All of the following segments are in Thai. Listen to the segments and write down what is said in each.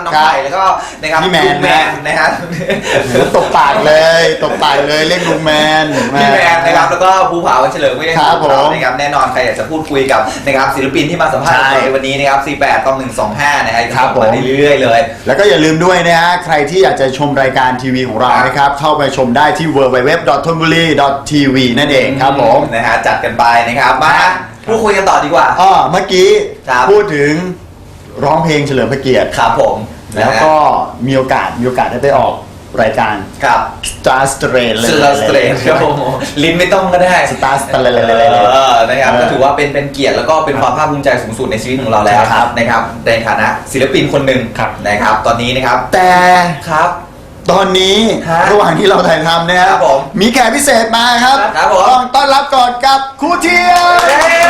น้องไผ่แล้วก็นะครับพี่แมนนะครับตบปากเลยเรียกลุงแมนพี่แมนนะครับแล้วก็ภูผาวันเฉลิมก็ยังอยู่กับเรานะครับแน่นอนใครอยากจะพูดคุยกับนะครับศิลปินที่มาสัมภาษณ์ในวันนี้นะครับ48-125นะครับมาเรื่อยๆเลยแล้วก็อย่าลืมด้วยนะฮะใครที่อยากจะชมรายการทีวีของเรานะครับเข้าไปชมได้ที่ www.thonburi.tv นั่นเองครับผมนะฮะจัดกันไปนะครับมาพูดคุยกันต่อดีกว่าเมื่อกี้พูดถึงร้องเพลงเฉลิมพระเกียรติครับผมแล้วก็มีโอกาสได้ไปออกรายการครับ Star Strain เลย Star Strain ครับผมลิ้นไม่ต้องก็ได้ Star Strain นะครับก็ถือว่าเป็นเกียรติแล้วก็เป็นความภาคภูมิใจสูงสุดในชีวิตของเราแล้วนะครับในฐานะศิลปินคนหนึ่งนะครับตอนนี้นะครับแต่ครับตอนนี้ระหว่างที่เราถ่ายทำนะครับมีแขกพิเศษมาครับต้องต้อนรับก่อนกับครูเทียม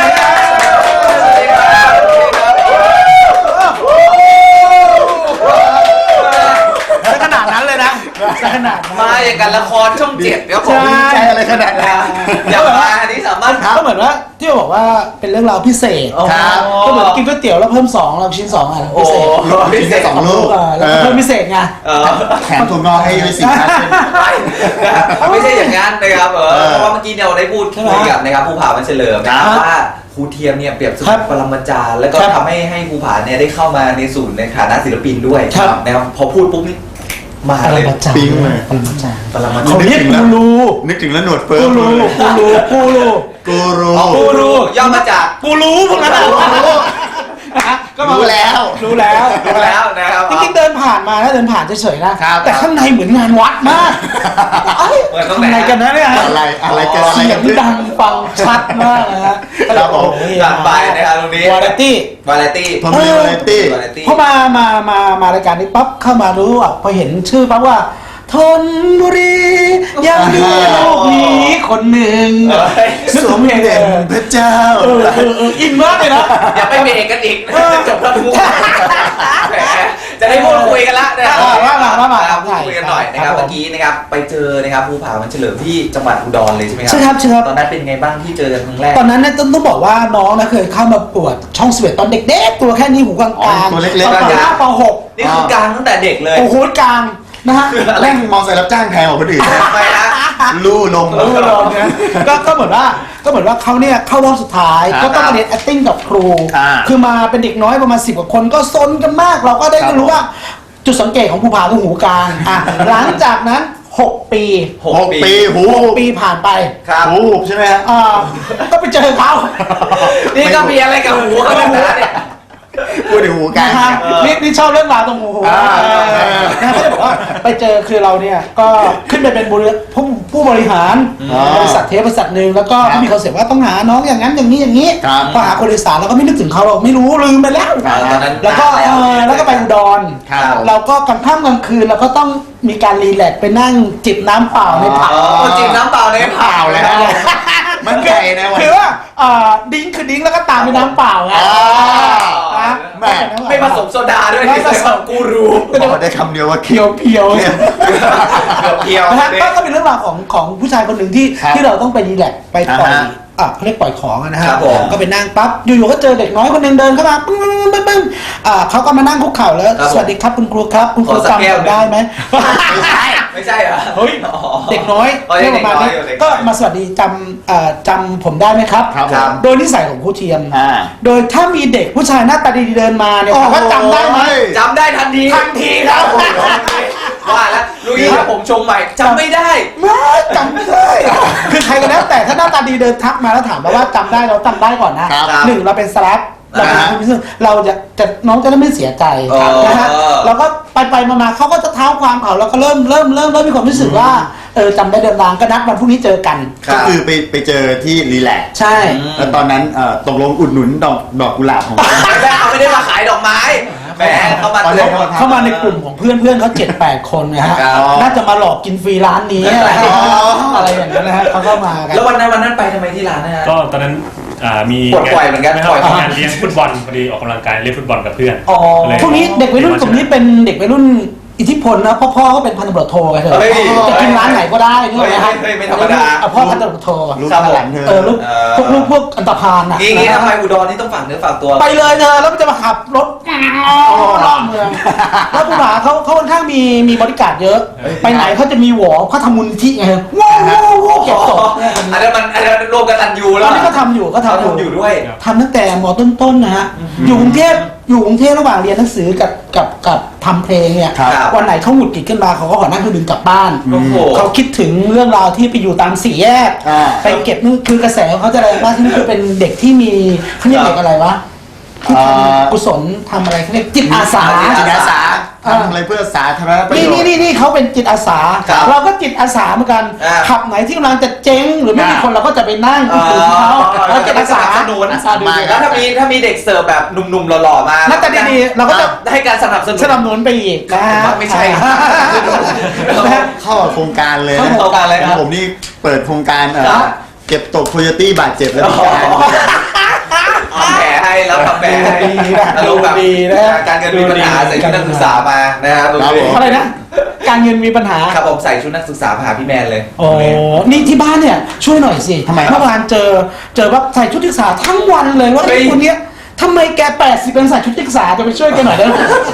ขนาดนั้นเลยนะขนาดมาอย่างกันละครช่อง7ครับผมใช่อะไรขนาดนั้นอย่างมาอันนี้สามารถก็เหมือนว่าที่บอกว่าเป็นเรื่องราวพิเศษก็เหมือนกินก๋วยเตี๋ยวแล้วเพิ่ม2เราชิ้น2อ่ะพิเศษ 2 ลูกแล้วเพิ่มพิเศษไงแถมถั่วงอกให้ด้วยสิไม่ใช่อย่างนั้นนะครับเพราะว่าเมื่อกี้เราได้พูดคุยกับนะครับภูผาวันเฉลิมนะครับว่าครูเทียมเนี่ยเปรียบเสมือนปรมาจารย์แล้วก็ทำให้ภูผาเนี่ยได้เข้ามาในศูนย์ในฐานะศิลปินด้วยนะครับพอพูดปุ๊บนี่มาเลยปิ๊งเลยปรมาจารย์เขาเรียกกูรูนึกถึงแล้วหนวดเฟิร์มกูรูย่อมาจากกูรู้พวกนั้นก็รู้แล้วนะครับจริงๆเดินผ่านมาแล้วเดินผ่านเฉยๆนะแต่ข้างในเหมือนงานวัดมากอะไรกันนะเนี่ยอะไรกันเสียงดังฟังชัดมากนะฮะครับผมหลังไปนะครับตรงนี้วาไรตี้พอมารายการนี้ปั๊บเข้ามารู้อ่ะพอเห็นชื่อปั๊บว่าธนบุรียังมีลูกนี้คนหนึ่งสมเด็จพระเจ้าอินมากเลยนะอย่าไปเบรกกันอีกจบแล้วทุกจะได้พูดคุยกันละนะครับพูดคุยกันหน่อยนะครับเมื่อกี้นะครับไปเจอนะครับภูผาวันเฉลิมที่จังหวัดอุดรเลยใช่ไหมครับใช่ครับตอนนั้นเป็นไงบ้างที่เจอกันครั้งแรกตอนนั้นเนี่ยต้องบอกว่าน้องนะเคยเข้ามาปวดช่อง11ตอนเด็กๆตัวแค่นี้หูกลางตัวเล็กๆตอนป.6 นี่คือกลางตั้งแต่เด็กเลยโอ้โหกลางนะฮะแร่งมอไซค์รับจ้างแพงกว่าคนอื่นไปนะลู่ลงนะก็เหมือนว่าเขาเนี่ยเข้ารอบสุดท้ายก็ต้องมาเรียน acting กับครูคือมาเป็นเด็กน้อยประมาณ10 กว่าคนก็ซนกันมากเราก็ได้รู้ว่าจุดสังเกตของภูผาคือหูกลางหลังจากนั้น6 ปีผ่านไปหูใช่ไหมฮะก็ไปเจอเขานี่ก็มีอะไรกับหูเขาเนี่ยพูดถึงหูกันนี่ชอบเรื่องราวตรงหูนะเขาจะบอกว่าไปเจอคือเราเนี่ยก็ขึ้นไปเป็นผู้บริหารบริษัทเทปบริษัทหนึ่งแล้วก็มีคอนเซ็ปต์ว่าต้องหาน้องอย่างนั้นอย่างนี้พอหาคนอีสานเราก็ไม่นึกถึงเขาเราไม่รู้ลืมไปแล้วแล้วก็ไปอุดรเราก็กลางค่ำกลางคืนเราก็ต้องมีการรีแลกซ์ไปนั่งจิบน้ำเปล่าในผับจิบน้ำเปล่าในผับแล้วมันไก่นะคือว่าดิ้งคือดิ้งแล้วก็ตามไปน้ำเปล่าไงไม่ผสมโซดาด้วยไม่ผสมกูรูได้คำเดียวว่าเพียวก็เป็นเรื่องราวของผู้ชายคนหนึ่งที่เราต้องไปรีแลกซ์ไปปล่อยเขาเรียกปล่อยของนะฮะก็ไปนั่งปั๊บอยู่ๆก็เจอเด็กน้อยคนนึงเดินเข้ามาปึ้งเขาก็มานั่งคุกเข่าแล้วสวัสดีครับคุณครูครับคุณครูจำได้ไหมไม่ใช่เหรอเฮ้ยเด็กน้อยเรื่องประมาณนี้ก็มาสวัสดีจำผมได้ไหมครับโดยนิสัยของครูเทียมโดยถ้ามีเด็กผู้ชายหน้าตาดีเดินมาเนี่ยถามว่าจำได้ไหมจำได้ทันทีครับว่าแล้วลุยผมชงใหม่จำไม่ได้จำไม่ได้คือใครก็แล้วแต่ถ้าหน้าตาดีเดินทักมาแล้วถามว่าจำได้เราจำได้ก่อนนะ1เราเป็นสลับเราจะน้องจะไม่เสียใจนะฮะเราก็ไปมาเขาก็จะเท้าความเขาแล้วก็เริ่มมีความรู้สึกว่าจำได้เดินทางก็นัดวันพรุ่งนี้เจอกันก็คือไปเจอที่รีแลกซ์ใช่แล้วตอนนั้นตกลงอุดหนุนดอกกุหลาบของเขาไม่ได้มาขายดอกไม้แหมเข้ามาในกลุ่มของเพื่อนเขา7-8 คนนะฮะน่าจะมาหลอกกินฟรีร้านนี้อะไรอย่างนั้นนะฮะเขาเข้ามากันแล้ววันนั้นไปทำไมที่ร้านนะฮะก็ตอนนั้นมีปล่อยเหมือนกันงานเลี้ยงฟุตบอลพอดีออกกำลังกายเล่นฟุตบอลกับเพื่อนพวกนี้เด็กวัยรุ่นกลุ่มนี้เป็นเด็กวัยรุ่นอิทธิพลนะพ่อก็เป็นพันตำรวจโทไงเถอะเฮ้ยจะกินร้านไหนก็ได้นึกออกไหมฮะเฮ้ยไม่ธรรมดาพ่อพันตำรวจโทลูกครับผมหลานเธอลูกพวกอันตพาลน่ะงี้ทำไมอุดรนี่ต้องฝากเนื้อฝากตัวไปเลยเธอแล้วมันจะมาขับรถรอบเมืองแล้วผู้หาเขาค่อนข้างมีบริการเยอะ ไปไหนเขาจะมีหวอเขาทำมูลนิธิไงว้าวเก็บศพอันนั้นรวมกันตันยูตแล้อวนนี้ก็ทำอยู่ก็เขาทำทำอยู่ด้วยทำตั้งแต่มต้นๆนะฮะอยู่กรุงเทพระหว่างเรียนหนังสือกับทำเพลงเนี่ยครับวันไหนเขาหงุดหงิดขึ้นมาเขาก็ขอนั่งเครื่องบินกลับบ้านโอ้โหเขาคิดถึงเรื่องราวที่ไปอยู่ตามสี่แยกอ่าไปเก็บนู่นคือกระแสของเขาจะแรงมากที่นี่คือเป็นเด็กที่มีเขาเรียกเด็กอะไรวะที่ทำกุศลทำอะไรเขาเรียกจิตอาสาจิตอาสาทำอะไรเพื่อสาธารณประโยชน์นี่เขาเป็นจิตอาสาครับเราก็จิตอาสาเหมือนกันอ่าขับไหนที่กำลังจะเจ๊งหรือไม่มีคนเราก็จะไปนั่งคุยกับเขาแล้วจิตอาสาสนุนอาสาดูมาแล้วถ้ามีเด็กเสิร์ฟแบบหนุ่มๆหล่อๆมาหน้าตาดีๆเราก็จะให้การสนับสนุนสนับสนุนไปอีกนะฮะไม่ใช่นะฮะเข้ากับโครงการเลยเข้าโครงการเลยครับผมนี่เปิดโครงการครับเก็บตกโคโยตี้บาดเจ็บแล้วพิการทำแผลให้แล้วทำแผลให้ดีนะอารมณ์แบบดีนะการเงินมีปัญหาใส่ชุดนักศึกษามานะครับครับผมอะไรนะการเงินมีปัญหาครับผมใส่ชุดนักศึกษามาหาพี่แมนเลยโอ้นี่ที่บ้านเนี่ยช่วยหน่อยสิทำไมครับเมื่อวานเจอว่าใส่ชุดนักศึกษาทั้งวันเลยว่าเฮ้ไอ้ยคนเนี้ยทำไมแก80เป็นใส่ชุดนักศึกษาจะไปช่วยแกหน่อยได้ไหม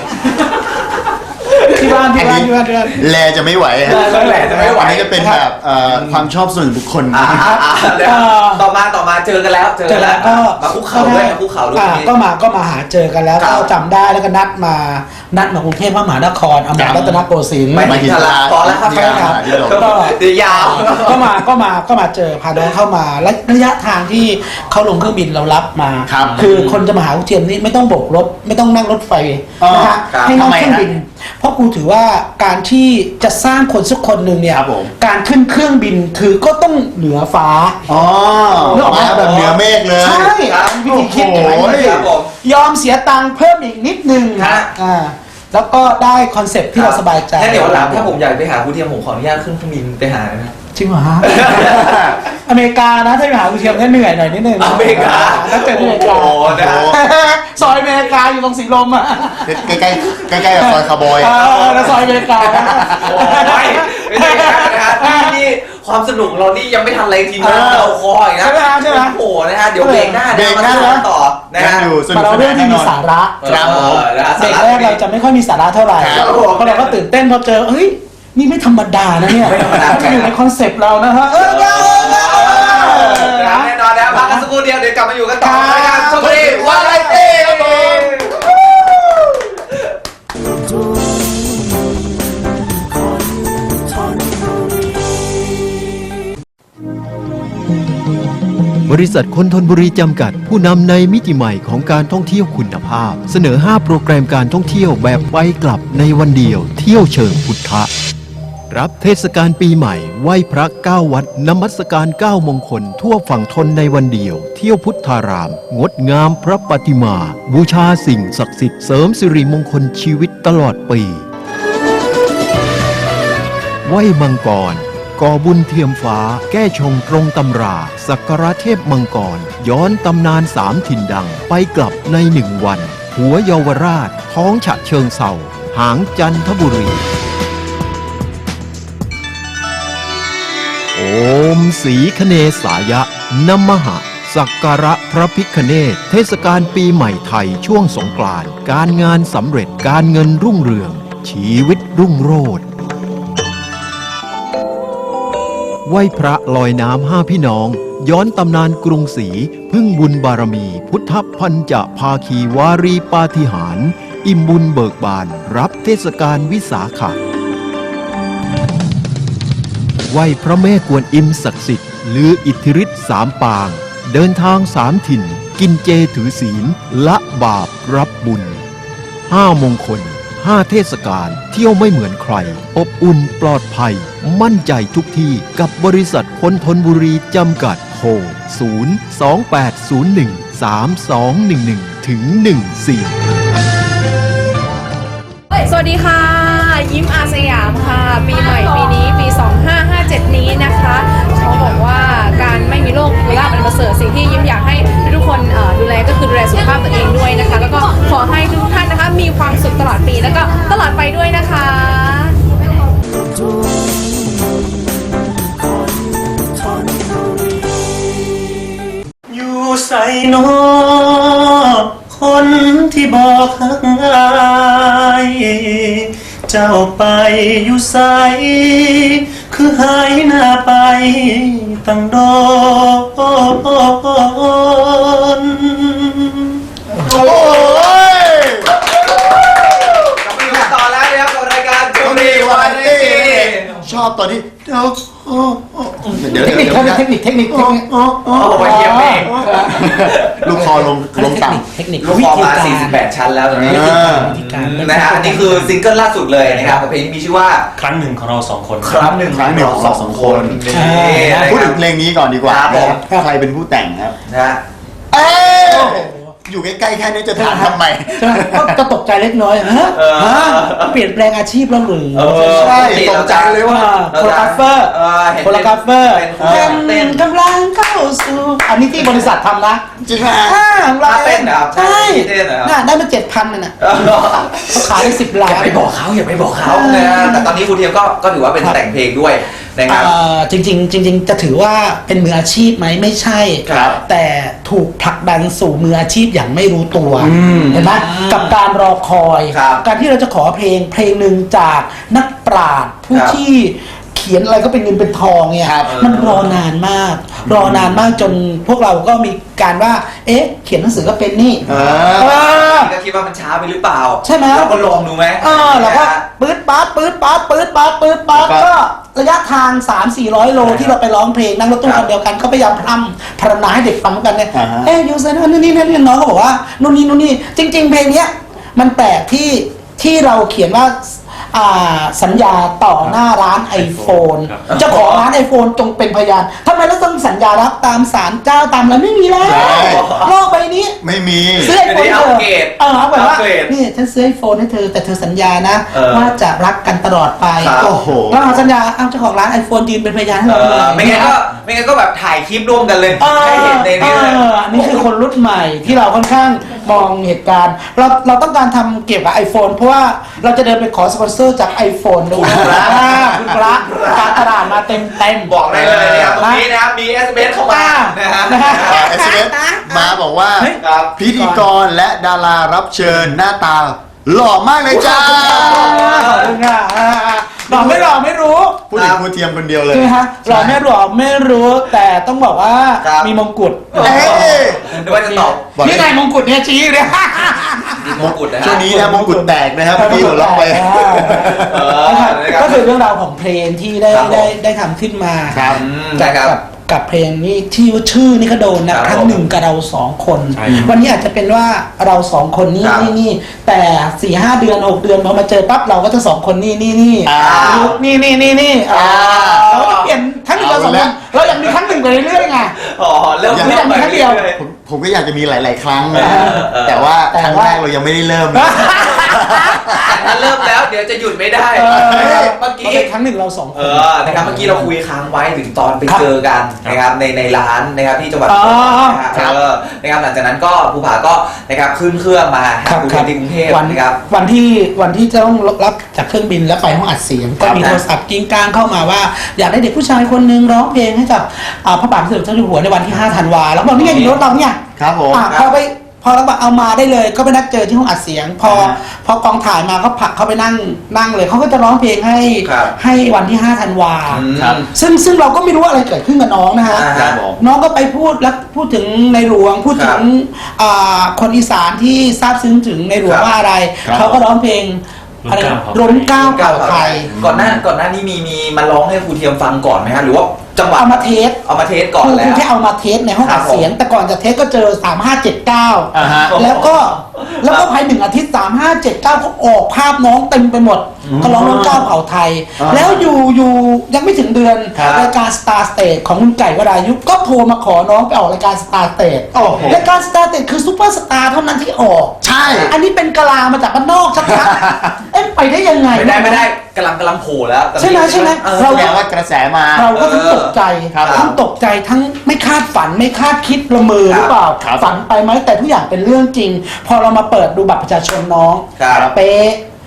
ที่บ้านแลจะไม่ไหวฮะแลจะไม่ไหวอันนี้ก็เป็นแบบความชอบส่วนบุคคลต่อมาเจอกันแล้วเจอแล้วก็มาคุกเข่าด้วยมาคุกเข่าด้วยนี่ก็มาหาเจอกันแล้วครับก็จำได้แล้วก็นัดมากรุงเทพมหานครอมรรัตนโกสินทร์ไม่ถึงทลาพอแล้วครับใช่ครับก็เดี๋ยวยาวก็มาเจอพาน้องเข้ามาและระยะทางที่เขาลงเครื่องบินเรารับมาครับคือคนจะมาหาเทียมนี่ไม่ต้องโบกรถไม่ต้องนั่งรถไฟนะฮะครับให้นั่งทำไมเครื่องบินฮะเพราะกูถือว่าการที่จะสร้างคนสักคนหนึ่งเนี่ยครับผมการขึ้นเครื่องบินคือก็ต้องเหนือฟ้าอ๋อนึกออกไหมมาแบบเหนือเมฆเลยใช่ครับวิธีคิดอย่างนั้นโอ้โหครับผมยอมเสียตังค์เพิ่มอีกนิดนึงฮะแล้วก็ได้คอนเซ็ปต์ที่เราสบายใจงั้นเดี๋ยววันหลังถ้าผมอยากไปหาครูเทียมผมขออนุญาตขึ้นเครื่องบินไปหานะจริงเหรอฮะ อเมริกานะถ้าไปหาคุณเทียมก็เหนื่อยหน่อยนิดนึงอเมริกาถ้าเจอที่อเมริกาโอ้โหนะฮะซอยอเมริกาอยู่ตรงสีลมอ่ะใกล้ๆกับซอยคาร์บอยแล้วซอยอเมริกาโอ้ยไม่ใช่นะครับนี่ความสนุกเรานี่ยังไม่ทันอะไรทีมงานเราคอยนะใช่ไหมโอ้โหนะฮะเดี๋ยวเบรกหน้าเบรกหน้ามาต่อนะยังฮะอยู่สนุมาก เราสเรื่อนาง นที่แน่นมีอนสาระครับผมเบรกแรกเราจะไม่ค่อยมีสาระเท่าไหร่ครับเพราะเราก็ตื่นเต้นพอเจอเฮ้ยนี่ไม่ธรรมดานะเนี่ยไม่ธรรมดาจะอยู่ในคอนเซปต์เรานะฮะแน่นอนนะพักกันสักครู่เดียวเดี๋ยวกลับมาอยู่กันต่อรายการชมบุรีวาไรตี้ครับผมบริษัทคนทนบุรีจำกัดผู้นำในมิติใหม่ของการท่องเที่ยวคุณภาพ เสนอ 5 โปรแกรมการท่องเที่ยวแบบไปกลับในวันเดียว เที่ยวเชิงพุทธะ รับเทศกาลปีใหม่ไหว้พระ9วัดนมัสการ9มงคลทั่วฝั่งทนในวันเดียว เที่ยวพุทธาราม งดงามพระปฏิมา บูชาสิ่งศักดิ์สิทธิ์เสริมสิริมงคลชีวิตตลอดปีไหว้มังกรก่อบุญเทียมฟ้าแก้ชงตรงตำราสักการะเทพมังกรย้อนตำนาน3ถิ่นดังไปกลับใน1 วัน หัวเยาวราช ท้องฉะเชิงเศร้าหางจันทบุรี โอมสีคเนสายะนมหะ สักการะพระพิฆเนศเทศกาลปีใหม่ไทยช่วงสงกรานต์การงานสำเร็จการเงินรุ่งเรือง ชีวิตรุ่งโรจน์ไหว้พระลอยน้ำ5 พี่น้อง ย้อนตำนานกรุงศรีพึ่งบุญบารมีพุทธพันจะภาคีวารีปาฏิหาริย์อิ่มบุญเบิกบานรับเทศกาลวิสาขะไหว้พระแม่กวนอิมศักดิ์สิทธิ์หรืออิทธิฤทธิ์3 ปาง เดินทาง3 ถิ่น กินเจถือศีลละบาปรับบุญ5 มงคล5 เทศกาลเที่ยวไม่เหมือนใคร อบอุ่นปลอดภัย มั่นใจทุกที่กับบริษัทคนทนบุรีจำกัดโทร028013211ถึง14 สวัสดีค่ะ ยิ้มอาสยามค่ะ ปีใหม่ปีนี้ปี 2557 นี้นะคะเขาบอกว่าการไม่มีโรคคือลาภอันประเสริฐสิ่งที่ยิ้มอยากให้ทุกคนดูแลก็คือดูแลสุขภาพตัวเองด้วยนะคะ แล้วก็ขอให้ทุกท่านนะคะมีความสุขตลอดปีแล้วก็ตลอดไปด้วยนะคะน้อคนที่บอกหักอายเจ้าไปอยู่ไสคือหายหน้าไปตั้งโดนโอ้ยกลับมาอยู่กันต่อแล้วนะครับกับรายการโชว์ดีวันนี้ชอบตอนที่เดี๋ยวเทคนิคเทคนิคเทคนิคโอ้โหเยี่ยมเองลูกคอลงต่เทคนิคลูกคอมา 48 ชั้นแล้วตอนนี้วิธีการนะฮะอันนี้คือซิงเกิลล่าสุดเลยนะครับกับเพลงที่มีชื่อว่าครั้งหนึ่งของเราสองคนครั้งหนึ่งครั้งหนึ่งของเราสองคนนี่นะำพูดครัถึบงเพลงนี้ก่อนดีกว่าครับผมนะครับใครเป็นผู้แต่งครับนะฮะเอ้ยอยู่ใกล้ๆแค่นี้จะถามทำไมใช่ไหมก็ตกใจเล็กน้อยฮะเปลี่ยนแปลงอาชีพแล้วหรือใช่ตกใจเลยว่าโคโรกราฟเฟอร์เห็นโคโรกราฟเฟอร์เป็นคนเต้นกำลังเข้าสู่อันนี้ที่บริษัททำนะจริงไหมของเราเต้นเหรอใช่เต้นเหรอน่ะได้มา7,000น่ะเขาขายได้10 ล้าอย่าน ไปบอกเขาอย่าไปบอกเขานะแต่ตอนนี้ครูเทียมก็ถือว่าเป็นแต่งเพลงด้วยนะครับจริงๆจะถือว่าเป็นมืออาชีพไหมไม่ใช่ครับแต่ถูกผลักดันสู่มืออาชีพอย่างไม่รู้ตัวเห็นไหมกับการรอคอยครับการที่เราจะขอเพลงหนึ่งจากนักปราชญ์ผู้ครับที่เขียนอะไรก็เป็นเงินเป็นทองเนี่ยครับมันรอนานมาก รอนานมากจนพวกเราก็มีการว่า เอ๊ะ เขียนหนังสือก็เป็นนี่เอเออก็คิดว่ามันช้าไปหรือเปล่าใช่ไหมเราก็ลองดูไหมเราก็ปื๊ดป๊าดปื๊ดป๊าดปื๊ดป๊าดปื๊ดป๊าดก็ระยะทาง 300-400 โลที่เราไปร้องเพลงนั่งรถตู้คันเดียวกันก็พยายามพรรณนาให้เด็กฟังกันเนี่ย เอ๊ะยูเซนนู่นนี่น้องก็บอกว่านู่นนี่จริง ๆ เพลงเนี้ยมันแปลกที่เราเขียนว่าสัญญาต่อหน้าร้าน iPhone เจ้าของร้าน iPhone จงเป็นพยานทำไมเราต้องสัญญารับตามศาลเจ้าตามอะไรไม่มีแล้วโลกใบนี้ไม่มีซื้อไอโฟนเธอเอาแบบว่าอัปเกรดนี่ฉันซื้อไอโฟนให้เธอแต่เธอสัญญานะเออว่าจะรักกันตลอดไปครับโอ้โหเราเอาสัญญาเอาเจ้าของร้านไอโฟนยืนเป็นพยานให้เราเลยไม่งั้นก็แบบถ่ายคลิปร่วมกันเลยให้เห็นในนี้เลยอันนี้คือคนรุ่นใหม่ที่เราค่อนข้างมองเหตุการณ์ เราต้องการทำเกี่ยวกับ iPhone เพราะว่าเราจะเดินไปขอสปอนเซอร์จาก iPhone ด้วยคุณพระการตลาดมาเต็มบอกได้เลยนะครับตรงนี้นะครับมี SMS เข้ามานะฮะ SMS มาบอกว่าครับพิธีกรและดารารับเชิญหน้าตา หล่อมากเลยจ้าขอบคุณค่ะหล่อไม่หล่อไม่รู้พูดถึงครูเทียมคนเดียวเลยใช่ไหมฮะหล่อไม่หล่อไม่รู้แต่ต้องบอกว่าครับมีมงกุฎเอ้ยนึกว่าจะตอบบอกนี่ไงมงกุฎเนี่ยชี้อยู่เนี่ยมีมงกุฎนะฮะช่วงนี้นะมงกุฎแตกนะครับพี่หัวเราะไปนะครับก็คือเรื่องราวของเพลงที่ได้ครับผมได้ทำขึ้นมาครับใช่ครับกับเพลงนี้ที่ว่าชื่อนี่ก็โดนนะครับ ครั้งหนึ่งกับเราสองคนใช่วันนี้อาจจะเป็นว่าเราสองคนนี่ครับนี่แต่4-5 เดือน6 เดือนพอมาเจอปั๊บเราก็จะสองคนนี่อ่านี่เราก็เปลี่ยนทั้งหนึ่งกับสองคนเราอยากมีครั้งหนึ่งไปเรื่อยๆไงอ๋อเริ่มไม่อยากมีครั้งเดียวผมก็อยากจะมีหลาย ๆ ครั้งนะเออแต่ว่าครั้งแรกเรายังไม่ได้เริ่มถ้าเริ่มแล้วเดี๋ยวจะหยุดไม่ได้เออเมื่อกี้เป็นครั้งหนึ่งเราสองคนนะครับเมื่อกี้เราคุยค้างไว้ถึงตอนไปครับเจอกันนะครับในร้านนะครับที่จังหวัดอ๋อนะครับนะครับหลังจากนั้นก็ภูผาก็นะครับขึ้นเครื่องมาครับภูครัเก็ตที่กรุงเทพวันนะครับวันที่จะต้องรับจากเครื่องบินแล้วไปห้องอัดเสียง ก็มีครับโทรศัพท์กิ้งก้างเข้ามาว่า อยากได้เด็กผู้ชายคนหนึงร้องเพลงให้กับพระบาทสมเด็จเจ้าอยู่หัวในวันที่ 5 ธันวาแล้วบอกนี่ไงอยู่รถเราเนี่ยครับผมพอเราบอกเอามาได้เลยก็ไปนัดเจอที่ห้องอัดเสียง พอกองถ่ายมาก็ผลักเขาไปนั่งเลยเขาก็จะร้องเพลงให้ครับให้วันที่ 5 ธันวาครับซึ่งเราก็ไม่รู้ว่าอะไรเกิดขึ้นกับน้องนะฮะครับผมน้องก็ไปพูดแล้วพูดถึงในหลวงพูดถึงคนอีสานที่ซาบซึ้งถึงในหลวงครับว่าอะไรครับเขาก็ร้องเพลงอะไรล้นเกล้าล้นเกล้าเก่าไทยก่อนหน้านี้มีมาร้องให้ครูเทียมฟังก่อนไหมฮะหรือว่าจังหวะเอามาเทสเอามาเทสก่อนคือแล้วแค่เอามาเทสในห้องอัดเสียง แต่ก่อนจะเทสก็เจอ 3579 อ่าฮะแล้วก็ภาย1 อาทิตย์ 3579ก็ออกภาพน้องเต็มไปหมด ก็ร้องร้องเก้าเผ่าไทย แล้วอยู่ยังไม่ถึงเดือนครับรายการ Star Stage ของคุณไก่วรายุก็โทรมาขอน้องไปออกรายการ Star Stage โอ้โหรายการ Star Stage คือซูเปอร์สตาร์เท่านั้นที่ออกใช่อันนี้เป็นกะลามาจากบ้านนอกชัดๆ เอ๊ะไปได้ยังไงไม่ได้กำลังโผล่แล้วใช่ไหมเออแสดงว่ากระแสมาเราก็ทั้งตกใจครับทั้งตกใจทั้งไม่คาดฝันไม่คาดคิดละเมอหรือเปล่าครับฝันไปไหมแต่ทุกอย่างเป็นเรื่องจริง พอเรามาเปิดดูบัตรประชาชนน้องครับเป๊ะ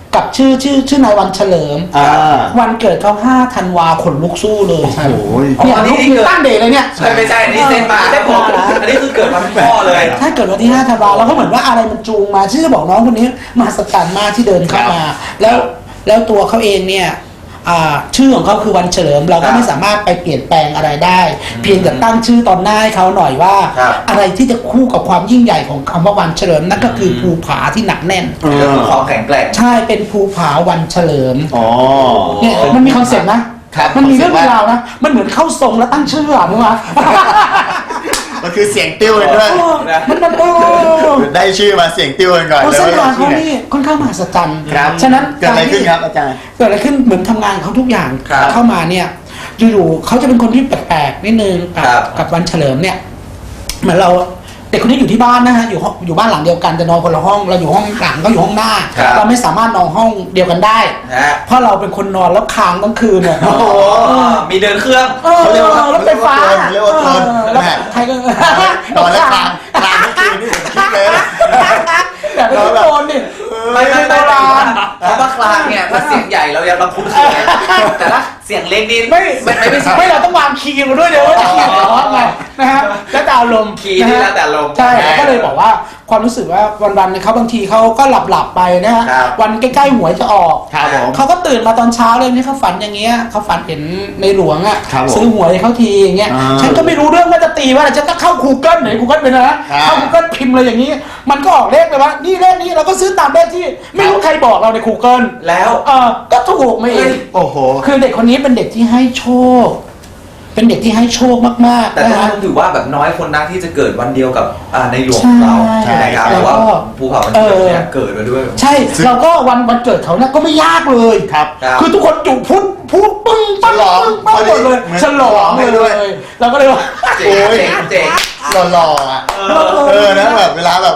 กับชื่อนายวันเฉลิม วันเกิดเขา5 ธันวาขนลุกสู้เลยโอ้โหเนี่ยอันนี้ลูกมีตั้งเดย์เลยเนี่ยไม่ใช่อันนี้เซ็นมาได้ผมอันนี้คือเกิดวันพ่อเลยถ้าเกิดวันที่5 ธันวาเราก็เหมือนว่าอะไรมันจูงมาที่จะบอกน้องคนนี้มหัศจรรย์มากที่เดินเข้ามา แล้วตัวเขาเองเนี่ยชื่อของเขาคือวันเฉลิมเราก็ไม่สามารถไปเปลี่ยนแปลงอะไรได้ เพียงแต่ตั้งชื่อตอนหน้าให้เขาหน่อยว่า อะไรที่จะคู่กับความยิ่งใหญ่ของคำว่าวันเฉลิมนั่นก็คือภูผาที่หนักแน่นความแข็งแกร่งใช่เป็นภูผาวันเฉลิมอ๋อเนี่ยมันมีคอนเซ็ปต์นะ มันมีเรื่องราวนะมันเหมือนเข้าทรงแล้วตั้งชื่ออ่ะนึกว่ามันคือเสียงติ้วกันด้วยมันได้ชื่อมาเสียงติ้วกันก่อนเพราะแล้วเส้นทางที่เขาไหนนี่ค่อนข้างมหัศจรรย์ครับฉะนั้นเกิดอะไรขึ้นครับอาจารย์เกิดอะไรขึ้นเหมือนทำงานเขาทุกอย่างครับเข้ามาเนี่ยอยู่ๆเขาจะเป็นคนที่แปลกๆนิดนึงกับครับกับวันเฉลิมเนี่ยเหมือนเราเด็กคนนี้อยู่ที่บ้านนะฮะอยู่บ้านหลังเดียวกันแต่นอนคนละห้องเราอยู่ห้องหลังก็อยู่ห้องหน้าครับเราไม่สามารถนอนห้องเดียวกันได้นะฮะเพราะเราเป็นคนนอนแล้วค้างทั้งคืนเนี่ยโอ้โหมีเดินเครื่องเขาเรียกว่ารถไฟฟ้าเรียกว่าเทิร์นแล้วแม่ใครก็นอนแล้วกลางทั้งคืนนี่ผมคิดเลยนะแต่ไม่ต้องโดนดิไม่โบราณเพราะว่าคลางเนี่ยถ้าเสียงใหญ่เรายังรับคุ้นเคยแต่ถ้าเสียงเล็กนี่ไม่ไม่ใช่ไม่เราต้องวางคีย์มาด้วยเดี๋ยวว่าจะคีย์ร้อนไงนะฮะแล้วแต่อารมณ์คีย์นี่แล้วแต่อารมณ์ใช่ก็เลยบอกว่าความรู้สึกว่าวันๆเนี่ยเขาบางทีเขาก็หลับไปนะฮะครับวันใกล้ๆหวยจะออกครับผมเขาก็ตื่นมาตอนเช้าเลยนี่เขาฝันอย่างเงี้ยเขาฝันเห็นในหลวงอ่ะครับผมซื้อหวยให้เขาทีอย่างเงี้ยอ่าฉันก็ไม่รู้เรื่องว่าจะตีว่าอะไรฉันก็เข้า Google ไหน Google เป็นนะเข้า Google พิมพ์เลยอย่างนี้ มันก็ออกเลขเลยว่านี่เลขนี้เราก็ซื้อตามเลขที่ไม่รู้ใครบอกเราใน Google แล้วก็ถูกมาเองโอ้โหคือเด็กคนนี้เป็นเด็กที่ให้โชค เป็นเด็กที่ให้โชคมากๆแต่นะต้องฮะถือว่าแบบน้อยคนนักที่จะเกิดวันเดียวกับในหลวงเราใช่นะครับแล้วก็แต่ว่าภูเขามันเนี่ยเกิดมาด้วยใช่เราก็วันเกิดเขาเนี่ยก็ไม่ยากเลยครับคือทุกคนจุพูดปึ้งปังฉลองปึ้งปังหมดเลยเหมือนฉลองให้เลด้วยยเราก็เลยว่าเจ๋งเจ๋งเจ๋งหล่อๆอ่ะนะแบบเวลาแบบ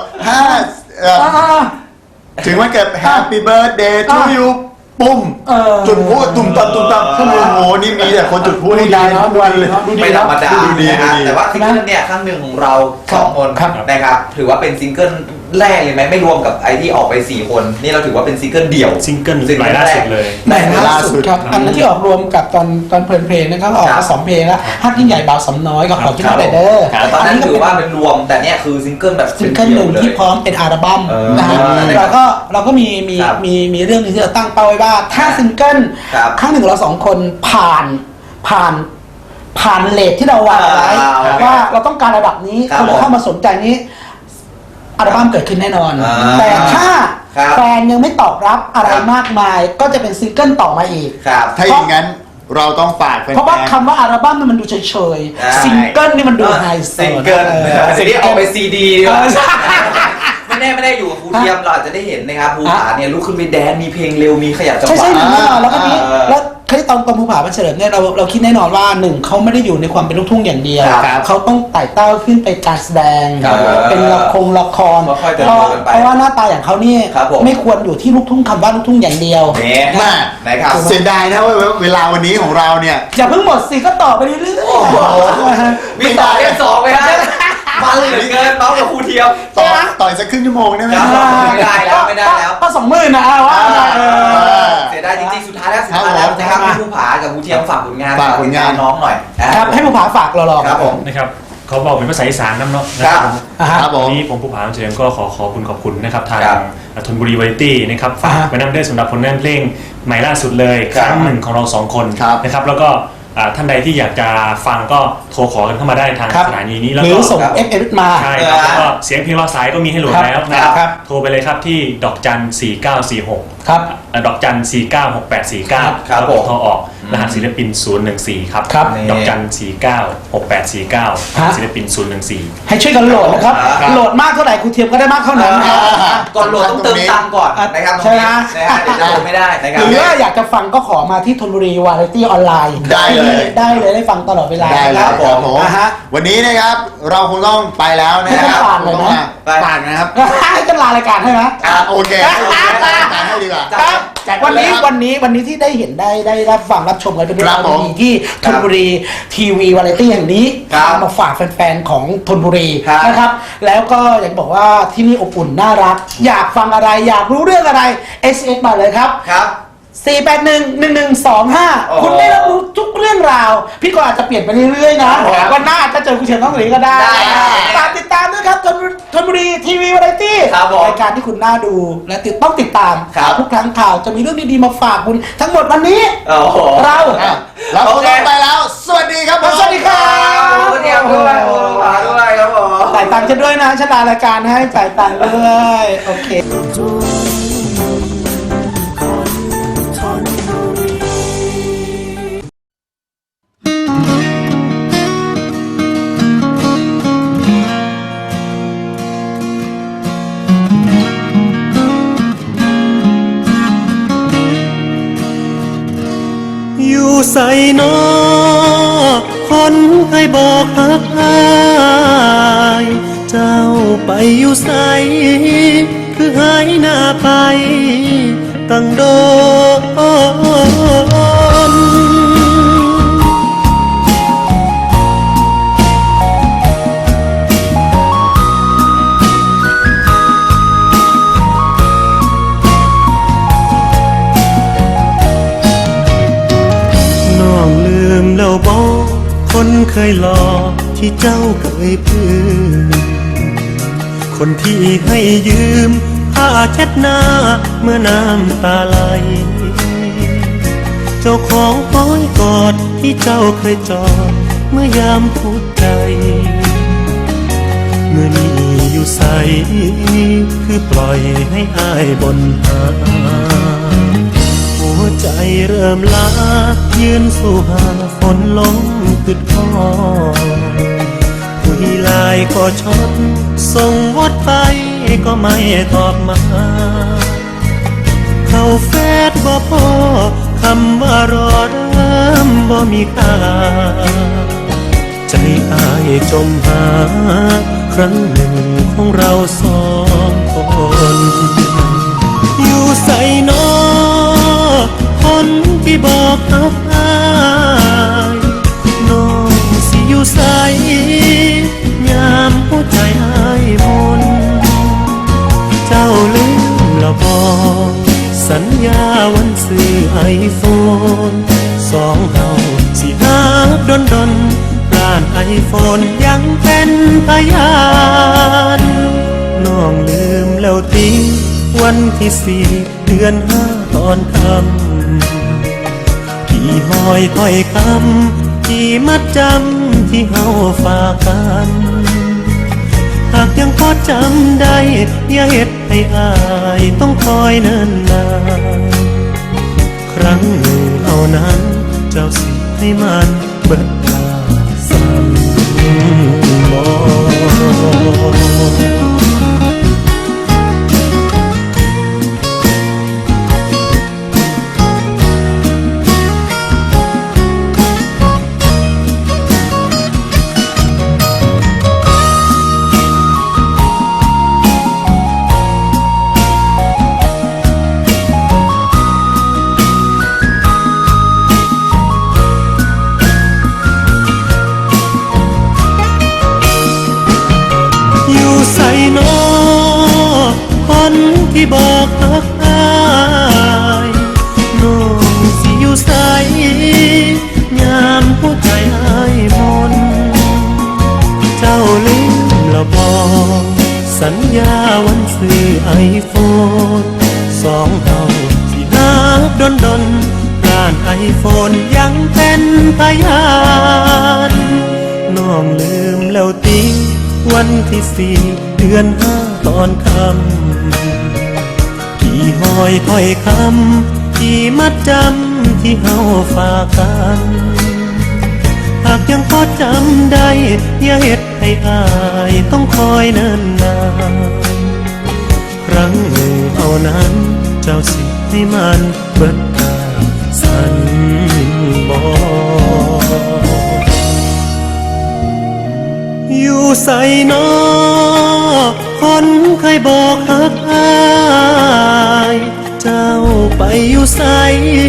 ถึงวันเกิด Happy Birthday to you ปุ้มจุดพูดตุ่มตับโอ้โหนี่มีแต่คนจุดพูดให้ได้ทุกวันเลยไม่ธรรมดาดูดีนะฮะดูดีแต่ว่าซิงเกิลเนี่ยครั้งหนึ่งของเราสองคนครับนะครับถือว่าเป็นซิงเกิลแรกเลยไหมไม่รวมกับไอที่ออกไป4คนนี่เราถือว่าเป็นซิงเกิลเดี่ยวซิงเกิลรายล่าสุดเลยแต่ล่าสุดครับอันนั้นที่ออกรวมกับตอนเพลินเพลงนะครับออกมา2 เพลงแล้วฮักยิ่งใหญ่บ่าวสำน้อยกับขอคิดว่าเด้อแต่ตอนนั้นถือว่าเป็นรวมแต่เนี่ยคือซิงเกิลแบบซิงเกิลหนึ่งที่พร้อมเป็นอัลบั้มนะฮะเราก็มีเรื่องนึงที่เราตั้งเป้าไว้ว่าถ้าซิงเกิลครั้งหนึ่งเรา2 คนผ่านเลทที่เราวางไว้ว่าเราต้องการระดับนี้คนเข้ามาสนใจนี้อัลบั้มเกิดขึ้นแน่นอน แต่ถ้าแฟนยังไม่ตอบรับอะไรมากมายก็จะเป็นซิงเกิลต่อมาอีกครับถ้าอย่างนั้นเราต้องฝากแฟนๆเพราะว่าคำว่าอัลบั้มมันดูเฉยๆซิงเกิลนี่มันดูไฮโซซิงเกิลทีนี้ออกไปซีดีไม่ได้อยู่กับครูเทียมเราอาจจะได้เห็นนะครับภูผาเนี่ยลุกขึ้นไปแดนมีเพลงเร็วมีขยับจังหใช่วะแน่นอนแล้วก็นี้แล้วตอนภูผาวันเฉลิมเนี่ยเราคิดแน่นอนว่า1เขาไม่ได้อยู่ในความเป็นลูกทุ่งอย่างเดียวเขาต้องไต่เต้าขึ้นไปการแสดงเป็นละครเพราะว่าหน้าตาอย่างเขานี่ไม่ควรอยู่ที่ลูกทุ่งคำว่าลูกทุ่งอย่างเดียวมากนะครับเสียดายนะว่าเวลาวันนี้ของเราเนี่ยอย่าเพิ่งหมดสิก็ต่อไปเรื่อยๆมีต่อเล่น2ไหมฮะมาเหลือเกินน้องกับครูเทียมต่อยสักครึ่งชั่วโมงได้ไหมไม่ได้แล้วก็20,000นะว่าเสียดายจริงๆสุดท้ายแล้วนะครับพี่ภูผากับครูเทียมฝากผลงานน้องหน่อยครับให้ภูผาฝากเราหรอครับผมนะครับเขาบอกเป็นภาษาอีสานน้ำเนาะครับผมวันนี้ผมผู้ผาเฉลิมก็ขอบคุณนะครับทางธนบุรีวาไรตี้นะครับฝากไว้นำด้วยสำหรับผลงานเพลงใหม่ล่าสุดเลยครั้งหนึ่งของเรา2 คนนะครับแล้วก็ท่านใดที่อยากจะฟังก็โทรขอกันเข้ามาได้ทางสถานีนี้แล้วหรืก็อส่ง FM มาใช่ครับแล้วก็เสียงเพลงรอสายก็มีให้โหลดแล้วนะครับโทรไปเลยครับที่ดอกจัน4946 ครับดอกจัน496849 ครับผมโทรออกรหัสศิลปิน014ครับครับดอกจัน496849ศิลปิน014 ให้ช่วยกันโหลดนะครับโหลดมากเท่าไหร่ครูเทียมก็ได้มากเท่านั้นนะครับก่อนโหลดต้องเติมตังค์ก่อนนะครับตรงนี้นะฮะเดี๋ยวจะโหลดไม่ได้นะครับหรือว่าอยากจะฟังก็ขอมาที่ธนบุรีวาไรตี้ออนไลน์ได้เลยได้ฟังตลอดเวลาได้เลยครับผมฮะวันนี้นะครับเราคงต้องไปแล้วนะครับให้ฝากเลยนะฝากนะครับให้กันลารายการให้ไหมโอเคให้ดีกว่ากว่าครับแจกวันเลยนี้ครับวันนี้ที่ได้เห็นได้รับฟังรับชมกันเป็นเรื่องครัราบวผมดีๆที่ธนบุรีทีวีวาไรตี้แห่งนี้ครับมาฝากแฟนๆของธนบุรีครับนะครับ แล้วก็อยากจะบอกว่าที่นี่อบอุ่นน่ารัก อยากฟังอะไรอยากรู้เรื่องอะไร SMS มาเลยครับครับ 481-1125 คุณได้รับรู้ทุกเรื่องราว พี่ก็อาจจะเปลี่ยนไปเรื่อยๆนะครับวันหน้าอาจจะเจอคุณเชียงต้องหลีก็ได้ได้ครับฝากติดตามด้วยครับธนบุรีทีวีวาไรตี้ครับผมรายการที่คุณน่าดูและต้องติดตามครับทุกครั้งข่าวจะมีเรื่องดีๆมาฝากคุณทั้งหมดวันนี้โอ้โหเราเราคงต้องไปแล้ว สวัสดีครับผมสวัสดีครับคุณเดียวด้วยโอ้โหมาด้วยครับผมจ่ายตังค์ฉันด้วยนะฉันลารายการให้จ่ายตังค์ด้วยโอเคอยู่ใส่นอคนเคยบอกหักอายเจ้าไปอยู่ใสคือหายหน้าไปตั้งโดน น้องลืมแล้วบอกคนเคยหลอกที่เจ้าเคยพูดคนที่ให้ยืมผ้าเช็ดหน้าเมื่อน้ำตาไหล เจ้าของอ้อยกอดที่เจ้าเคยจอดเมื่อยามพูดใจ เมื่อนี้อยู่ใสคือปล่อยให้อายบนหา หัวใจเริ่มล้ายืนสู่หาฝนลงติดคอคุยไลน์ก็ชดส่งวดไปก็ไม่ตอบมา เข้าเฟซบ่พอคำว่ารอเริ่มบ่มีค่า ใจอายจมหาครั้งหนึ่งของเราสองคน อยู่ใส่นอคนที่บอกอับอายน้องสิอยู่ใส่ยามหัวใจอายมนเจ้าลืมแล้วบอกสัญญาวันซื้อไอโฟนสองเฮาสิหักดนร้านไอโฟนยังเป็นพยานน้องลืมแล้วติวันที่4 เดือน 5ตอนค่ำกี่หอยถ้อยคำกี่มัดจำที่เฮาฝากกัน หากยังพอจำได้อย่าเฮ็ดให้อายต้องคอยเนิ่นนานครั้งหนึ่งเท่านั้นเจ้าสิให้มันเบิดตาสั่นบ่ อยู่ใส่นอคนที่บอกรักอายน้องสิอยู่ใส่ยามหัวใจอายมนเจ้าลืมแล้วบอกสัญญาวันซื้อไอโฟนสองเฮาสิหักดนร้านไอโฟนยังเป็นพยานน้องลืมแล้วติวันที่4 เดือน 5ตอนค่ำกี่หอยถ้อยคำกี่มัดจำที่เฮาฝากกัน หากยังพอจำได้อย่าเฮ็ดให้อายต้องคอยเนิ่นนานครั้งหนึ่งเท่านั้นเจ้าสิให้มันเบิดตาสั่นบ่ อยู่ใส่นอคนเคยบอกหักอายเจ้าอยู่ใส